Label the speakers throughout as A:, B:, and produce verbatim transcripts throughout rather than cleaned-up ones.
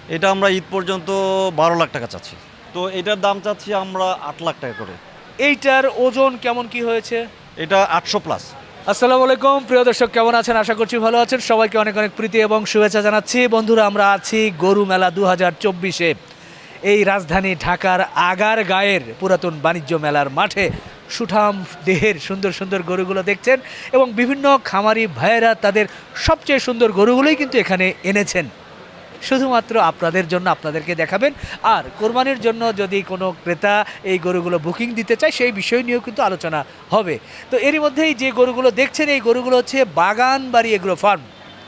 A: এটা আমরা ঈদ পর্যন্ত বারো লাখ টাকা চাচ্ছি, তো এটার দাম চাচ্ছি আমরা আট লাখ টাকা করে।
B: এইটার ওজন কেমন কি হয়েছে?
A: এটা আটশো প্লাস।
B: আসসালামু আলাইকুম প্রিয় দর্শক, কেমন আছেন? আশা করছি ভালো আছেন। সবাইকে অনেক অনেক প্রীতি এবং শুভেচ্ছা জানাচ্ছি। বন্ধুরা, আমরা আছি গরু মেলা দু হাজার চব্বিশে এই রাজধানী ঢাকার আগার গায়ের পুরাতন বাণিজ্য মেলার মাঠে সুঠাম দেহের সুন্দর সুন্দর গরুগুলো দেখছেন এবং বিভিন্ন খামারি ভাইয়েরা তাদের সবচেয়ে সুন্দর গরুগুলোই কিন্তু এখানে এনেছেন শুধুমাত্র আপনাদের জন্য, আপনাদেরকে দেখাবেন। আর কোরবানির জন্য যদি কোনো ক্রেতা এই গরুগুলো বুকিং দিতে চায় সেই বিষয় নিয়েও কিন্তু আলোচনা হবে। তো এরই মধ্যেই যে গরুগুলো দেখছেন এই গরুগুলো হচ্ছে বাগানবাড়ি এগ্রো ফার্ম।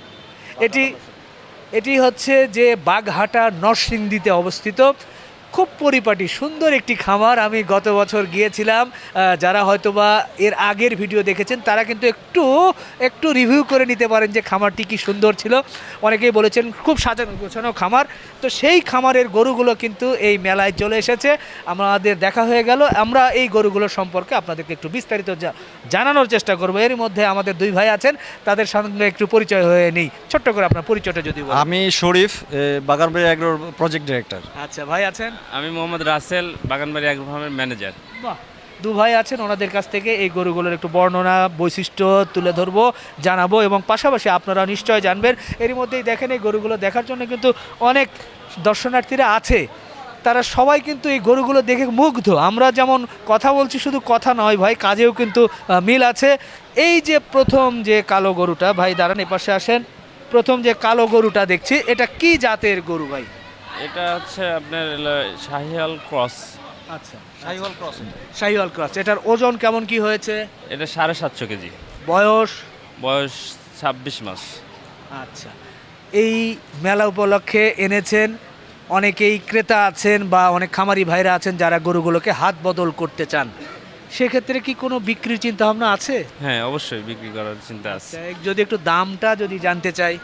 B: এটি এটি হচ্ছে যে বাগহাটা নরসিংদীতে অবস্থিত খুব পরিপাটি সুন্দর একটি খামার। আমি গত বছর গিয়েছিলাম, আহ, যারা হয়তোবা এর আগের ভিডিও দেখেছেন তারা কিন্তু একটু একটু রিভিউ করে নিতে পারেন যে খামারটি কি সুন্দর ছিল। অনেকেই বলেছেন খুব সাজানো গোছানো খামার। তো সেই খামারের গরুগুলো কিন্তু এই মেলায় চলে এসেছে, আমাদের দেখা হয়ে গেল। আমরা এই গরুগুলো সম্পর্কে আপনাদেরকে একটু বিস্তারিত জা- জানানোর চেষ্টা করবো। এর মধ্যে আমাদের দুই ভাই আছেন, তাদের সঙ্গে একটু পরিচয় হয়ে নিই। ছোট্ট করে আপনার পরিচয়টা যদি বলেন।
A: আমি শরীফ, এ, বাগানবাড়ি এগ্রোর প্রজেক্ট ডিরেক্টর।
B: আচ্ছা, ভাই আছেন?
C: আমি মোহাম্মদ রাসেল, বাগানবাড়ি অ্যাগ্রো ফার্মের ম্যানেজার।
B: বাহ, দু ভাই আছেন, ওনাদের কাছ থেকে এই গরুগুলোর একটু বর্ণনা বৈশিষ্ট্য তুলে ধরবো, জানাবো এবং পাশাপাশি আপনারা নিশ্চয় জানবেন। এরই মধ্যেই দেখেন এই গরুগুলো দেখার জন্য কিন্তু অনেক দর্শনার্থীরা আছে, তারা সবাই কিন্তু এই গরুগুলো দেখে মুগ্ধ। আমরা যেমন কথা বলছি, শুধু কথা নয় ভাই, কাজেও কিন্তু আহ, মিল আছে। এই যে প্রথম যে কালো গরুটা, ভাই দাঁড়ান এপাশে আসেন। প্রথম যে কালো গরুটা দেখছি, এটা কি জাতের গরু ভাই?
C: এটা হচ্ছে আপনার হলো শাহিয়াল ক্রস।
B: আচ্ছা,
A: শাহিওয়াল ক্রস।
B: শাহিওয়াল ক্রস। এটার ওজন কেমন কি হয়েছে?
C: এটা সাড়ে সাতশো কেজি,
B: বয়স?
C: বয়স ছাব্বিশ মাস।
B: আচ্ছা, এই মেলা উপলক্ষে এনেছেন, অনেকেই ক্রেতা আছেন বা অনেক খামারি ভাইরা আছেন যারা গরুগুলোকে হাত বদল করতে চান, সেক্ষেত্রে কি কোনো বিক্রির চিন্তা ভাবনা আছে?
C: হ্যাঁ, অবশ্যই বিক্রি করার চিন্তা আছে।
B: আচ্ছা, যদি একটু দামটা যদি জানতে চাই।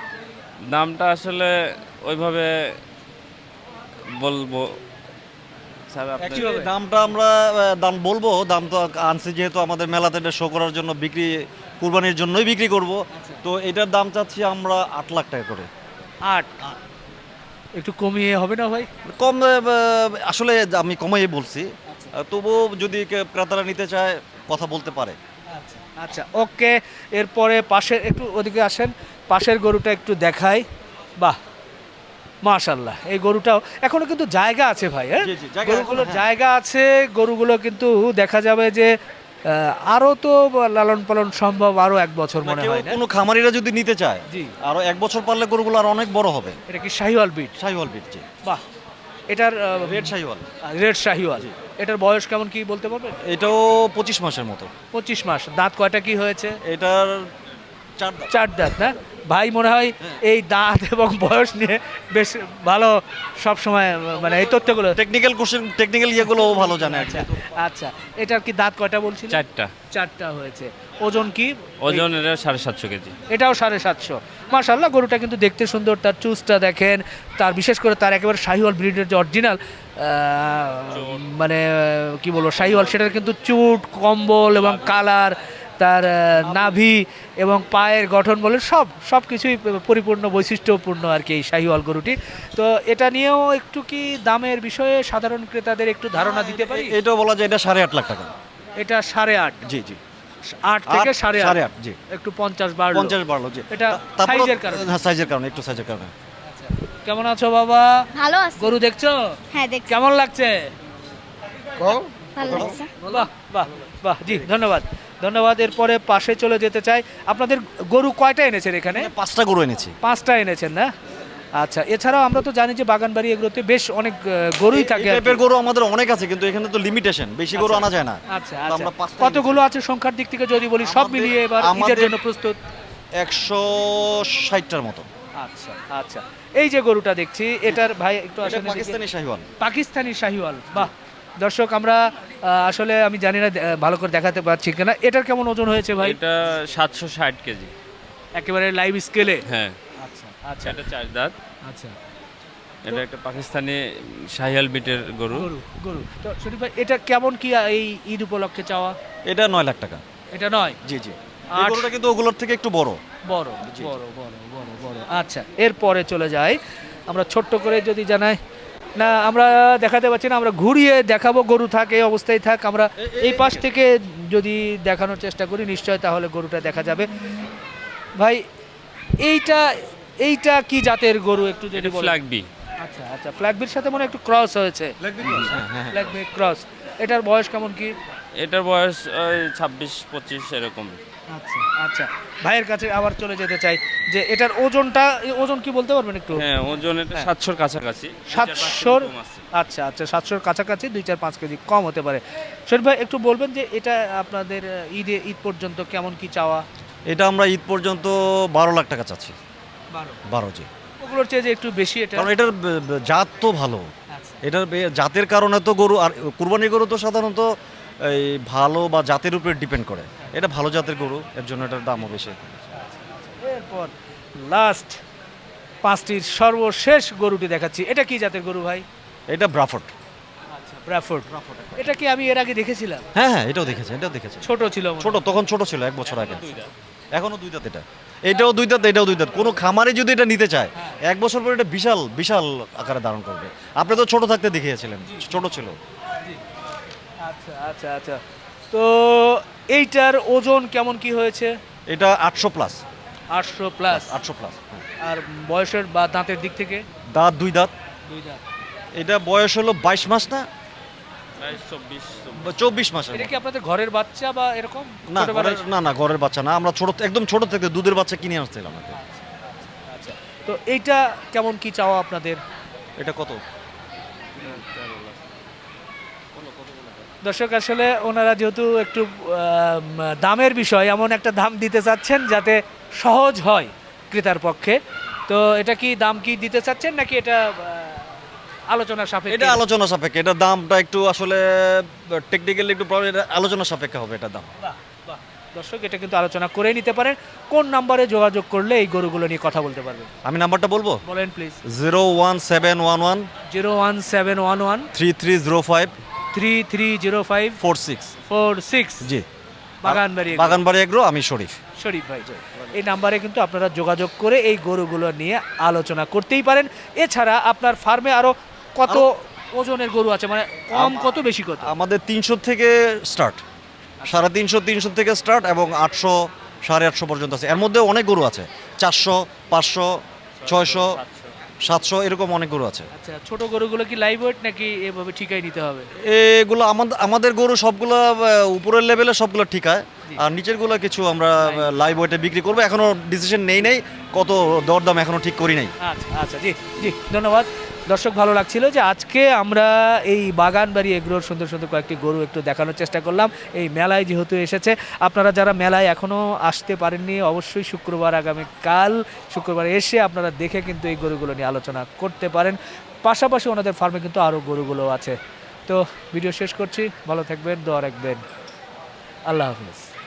C: দামটা আসলে ওইভাবে বলবো স্যার, আপনি
B: কিভাবে?
A: দামটা আমরা আহ, দাম বলবো, দাম তো আনছি যেহেতু আমাদের মেলাতে এটা শো করার জন্য, বিক্রি কুরবানির জন্যই বিক্রি করব। তো এটার দাম চাচ্ছি আমরা আট লাখ টাকা করে।
B: আট? একটু কমিয়ে হবে না ভাই?
A: কম, আহ, আসলে আমি কমাই বলছি, আহ, তবুও যদি কে- ক্রেতারা নিতে চায় কথা বলতে পারে।
B: আচ্ছা আচ্ছা, ওকে। এরপরে পাশের, একটু ওদিকে আসেন, পাশের গরুটা একটু দেখাই। বাহ, মাশাল্লাহ, এই গরুটাও এখনো কিন্তু জায়গা আছে ভাই। হ্যাঁ,
A: জি, জি, জায়গা
B: গরুগুলোর
A: এখনো, হ্যাঁ।
B: জায়গা আছে। গরুগুলো কিন্তু দেখা যাবে যে আহ, আরো তো লালন পালন সম্ভব আরো এক বছর মনে
A: কেউ
B: হয় না?
A: কোনো খামারিরা যদি নিতে চায়,
B: জি।
A: আরো এক বছর পারলে গরুগুলো আর অনেক বড় হবে।
B: এটা কি শাহিওয়াল বিট?
A: শাহিওয়াল বিট, জি।
B: বাহ, এটার
A: রেড শাহিওয়াল।
B: রেড শাহিওয়াল। এটার বয়স কেমন কি বলতে পারবেন?
A: এটাও পঁচিশ মাসের মতো।
B: পঁচিশ মাস। দাঁত কয়টা কি হয়েছে?
A: এটার চার দাঁত।
B: চার দাঁত না? ভাই মনে হয় এই দাঁত এবং বয়স নিয়ে বেশ ভালো সব সময়, মানে এই তথ্যগুলো।
A: টেকনিক্যাল কোশ্চেন, টেকনিক্যাল ইয়েগুলো ও ভালো জানে আর কি।
B: আচ্ছা আচ্ছা, এটার কি দাঁত কয়টা বলছিল?
C: চারটা।
B: চারটা হয়েছে। ওজন কি?
C: ওজন এটা সাড়ে সাতশো কেজি।
B: এটাও সাড়ে সাতশো। মাশাল্লাহ, গরুটা কিন্তু দেখতে সুন্দর। তার চুজটা দেখেন, তার বিশেষ করে তার একেবারে শাহিওয়াল ব্রিডের যে অরিজিনাল মানে আহ, কি বলবো শাহিওয়াল, সেটার কিন্তু চুট, কম্বল এবং কালার, তার আহ, নাভি এবং পায়ের গঠন বলে সব সব কিছুই পরিপূর্ণ বৈশিষ্ট্যপূর্ণ আর কি এই শাহিওয়াল গরুটি। তো এটা নিয়েও একটু কি দামের বিষয়ে সাধারণ ক্রেতাদের একটু ধারণা দিতে পারি?
A: এটাও বলা যায় এটা সাড়ে আট লাখ টাকা।
B: এটা সাড়ে আট?
A: জি জি,
B: আট থেকে
A: আট,
B: সাড়ে
A: সাড়ে
B: আট,
A: আট, জি।
B: একটু পঞ্চাশ বাড়লো।
A: পঞ্চাশ বাড়লো, জি।
B: এটা
A: তা- তারপরও-
B: সাইজের কারণে।
A: হ্যাঁ, সাইজের কারণে, একটু সাইজের কারণে।
B: কেমন আছো বাবা?
D: ভালো আছে।
B: গরু দেখছো?
D: হ্যাঁ দেখছি,
B: কেমন লাগছে?
D: ভালো লাগছে।
B: বাহ বাহ বাহ, জি ধন্যবাদ ধন্যবাদ। এরপরে পাশে চলে যেতে চাই। আপনাদের গরু কয়টা এনেছেন এখানে?
A: এখানে পাঁচটা গরু এনেছি।
B: পাঁচটা এনেছেন না? আচ্ছা, এছাড়াও আমরা তো জানি যে বাগানবাড়ি এগুলোতে বেশ অনেক আহ, গরুই থাকে
A: এই
B: আর কি।
A: টাইপের গরু আমাদের অনেক আছে, কিন্তু এখানে তো লিমিটেশন, বেশি গরু আনা যায় না।
B: আচ্ছা
A: তো
B: আচ্ছা,
A: আমরা পাঁচটা
B: কতগুলো আছে সংখ্যার দিক থেকে যদি বলি, সব
A: আমাদের-
B: মিলিয়ে এবার ঈদের
A: আমাদের-
B: জন্য প্রস্তুত?
A: একশো ষাটটার মতো।
B: আচ্ছা আচ্ছা, এই যে গরুটা দেখছি, এটার ভাই একটু
A: এটা
B: আসলে
A: পাকিস্তানি শাহিওয়াল।
B: পাকিস্তানি শাহিওয়াল। বাহ, দর্শক আমরা আহ, আসলে আমি জানি না আহ, ভালো করে দেখাতে পারছি কিনা। এটার কেমন ওজন হয়েছে ভাই?
C: এটা সাতশো ষাট কেজি।
B: একেবারে লাইভ স্কেলে?
C: হ্যাঁ,
B: আচ্ছা আচ্ছা
C: এটা চার দাঁত।
B: আচ্ছা,
C: এটা একটা পাকিস্তানি শাহিয়াল বিটের গরু।
B: গরু গরু তো শরীফ ভাই, এটা কেমন কি এই ঈদ উপলক্ষে চাওয়া?
A: এটা নয় লাখ টাকা।
B: এটা নয়?
A: জি জি, এই
B: আট-
A: গরুটা কিন্তু ওগুলোর থেকে একটু বড়।
B: বড়
A: জি, জি।
B: বড় বড় বড় বড়। আচ্ছা, এরপরে চলে যাই। আমরা ছোট্ট করে যদি জানাই না, আমরা দেখাতে পাচ্ছি না, আমরা ঘুরিয়ে দেখাবো। গরু থাক এই অবস্থায় থাক, আমরা এই পাশ থেকে যদি দেখানোর চেষ্টা করি নিশ্চয় তাহলে গরুটা দেখা যাবে। ভাই এইটা এইটা কি জাতের গরু একটু যদি
C: এটা
B: বলেন।
C: Flag B.
B: আচ্ছা আচ্ছা, ফ্ল্যাগবির সাথে মনে হয় একটু ক্রস হয়েছে।
C: হ্যাঁ হ্যাঁ
B: ফ্ল্যাগবি ক্রস। এটার বয়স কেমন কি?
C: এটার বয়স ওই ছাব্বিশ পঁচিশ এরকম।
B: আচ্ছা আচ্ছা, ভাইয়ের কাছে আবার চলে যেতে চাই যে এটার ওজনটা, এই ওজন কি বলতে পারবেন একটু?
C: হ্যাঁ ওজন এটা
B: হ্যাঁ।
C: সাতশোর কাছাকাছি।
B: সাতশোর
C: কম আছে।
B: আচ্ছা আচ্ছা, সাতশোর কাছাকাছি, দুই চার পাঁচ কেজি কম হতে পারে। শরীফ ভাই একটু বলবেন যে এটা আপনাদের ঈদে ঈদ পর্যন্ত কেমন কি চাওয়া?
A: এটা আমরা ঈদ পর্যন্ত বারো লাখ টাকা চাচ্ছি।
B: বারো।
A: বারো জি।
B: ওগুলোর চেয়ে যে একটু বেশি এটা।
A: কারণ এটার ব- ব- জাত তো ভালো,
B: আচ্ছা।
A: এটার বে- জাতের কারণে তো গরু, আর কুরবানির গরু তো সাধারণত এই ভালো বা জাতের উপরে ডিপেন্ড করে। এটা ভালো জাতের গরু, এর জন্য এটার দামও বেশি।
B: এরপর লাস্ট পাঁচটির সর্বশেষ গরুটি দেখাচ্ছি। এটা কি জাতের গরু ভাই?
A: এটা ব্রাফট।
B: আচ্ছা, ব্রাফোর্ড। এটা কি আমি এর আগে দেখেছিলাম?
A: হ্যাঁ হ্যাঁ, এটাও দেখেছে, এটাও দেখেছে।
B: ছোট ছিল মনে হয়।
A: ছোট, তখন ছোট ছিল, এক বছর আগে। এখনো দুই দাঁত এটা, এটাও দুই দাঁত, এটাও দুই দাঁত। কোনো খামারে যদি এটা নিতে চায় এক বছর পরে এটা বিশাল বিশাল আকারে ধারণ করবে। আপনি তো ছোট থাকতে দেখিয়েছিলেন, ছোট ছিল।
B: আচ্ছা আচ্ছা আচ্ছা, তো এইটার ওজন কেমন কি হয়েছে?
A: এটা আটশো প্লাস।
B: আটশো প্লাস।
A: আটশো প্লাস।
B: আর বয়সের বা দাঁতের দিক থেকে?
A: দাঁত দুই দাঁত।
B: দুই দাঁত।
A: এটা বয়স হলো বাইশ মাস না
C: বাইশ চব্বিশ চব্বিশ।
A: বা চব্বিশ মাসের
B: এটা
A: মতো।
B: কি আপনাদের ঘরের বাচ্চা বা এরকম
A: না
B: ছোটবেলায়?
A: ঘরের- না না ঘরের বাচ্চা না, আমরা ছোট, একদম ছোট থেকে দুধের বাচ্চা কিনে আসছিলাম আগে।
B: আচ্ছা, তো এইটা কেমন কি চাওয়া আপনাদের?
A: এটা কত?
B: দর্শক আসলে ওনারা যেহেতু একটু আম, দামের বিষয়, এমন একটা দাম দিতে চাচ্ছেন যাতে সহজ হয় ক্রেতার পক্ষে। তো এটা কি দাম কি দিতে চাচ্ছেন নাকি এটা আহ, আলোচনা সাপেক্ষে?
A: এটা আলোচনা সাপেক্ষে, এটা দামটা একটু আসলে টেকনিক্যালি একটু প্রবলেম, এটা আলোচনা সাপেক্ষে হবে এটা দাম।
B: বাহ, বাহ। দর্শক এটা কিন্তু আলোচনা করে নিতে পারেন। কোন নাম্বারে যোগাযোগ করলে এই গরুগুলো নিয়ে কথা বলতে পারবেন?
A: আমি নাম্বারটা বলবো,
B: বলেন please.
A: Zero one seven one one
B: zero one seven one one
A: three three zero five
B: three three zero five
A: four six.
B: Four six.
A: জি,
B: বাগানবাড়ি
A: বাগানবাড়ি এগ্রো, আমি শরীফ।
B: শরীফ ভাই। এই নাম্বারে কিন্তু আপনারা যোগাযোগ করে এই গরুগুলো নিয়ে আলোচনা করতেই পারেন। এছাড়া আপনার ফার্মে আরো কত ওজনের গরু আছে, মানে কম কত বেশি কত?
A: আমাদের তিনশো থেকে স্টার্ট, সাড়ে তিনশো তিনশো থেকে স্টার্ট, এবং আটশো সাড়ে আটশো পর্যন্ত আছে। এর মধ্যে অনেক গরু আছে, চারশো পাঁচশো ছয়শো সাতশো এরকম অনেক গরু আছে।
B: আচ্ছা, ছোট গরুগুলো কি লাইভ ওয়েট নাকি এভাবে ঠিকাই নিতে হবে?
A: এগুলো আমাদের আমাদের গরু সবগুলো আহ, উপরের লেভেলে সবগুলো ঠিক হয়, আর নিচের গুলো কিছু আমরা লাইভ ওয়েটে বিক্রি করবো। এখনো ডিসিশন নেই নেই কত দরদাম এখনো ঠিক করি নাই।
B: আচ্ছা আচ্ছা, জি জি, ধন্যবাদ। দর্শক ভালো লাগছিল যে আজকে আমরা এই বাগানবাড়ি এগ্রোর সুন্দর সুন্দর কয়েকটি গরু একটু দেখানোর চেষ্টা করলাম এই মেলায় যেহেতু এসেছে। আপনারা যারা মেলায় এখনও আসতে পারেননি অবশ্যই শুক্রবার, আগামীকাল শুক্রবার এসে আপনারা দেখে কিন্তু এই গরুগুলো নিয়ে আলোচনা করতে পারেন। পাশাপাশি ওনাদের ফার্মে কিন্তু আরও গরুগুলো আছে। তো ভিডিও শেষ করছি, ভালো থাকবেন, দোয়া রাখবেন, আল্লাহ হাফিজ।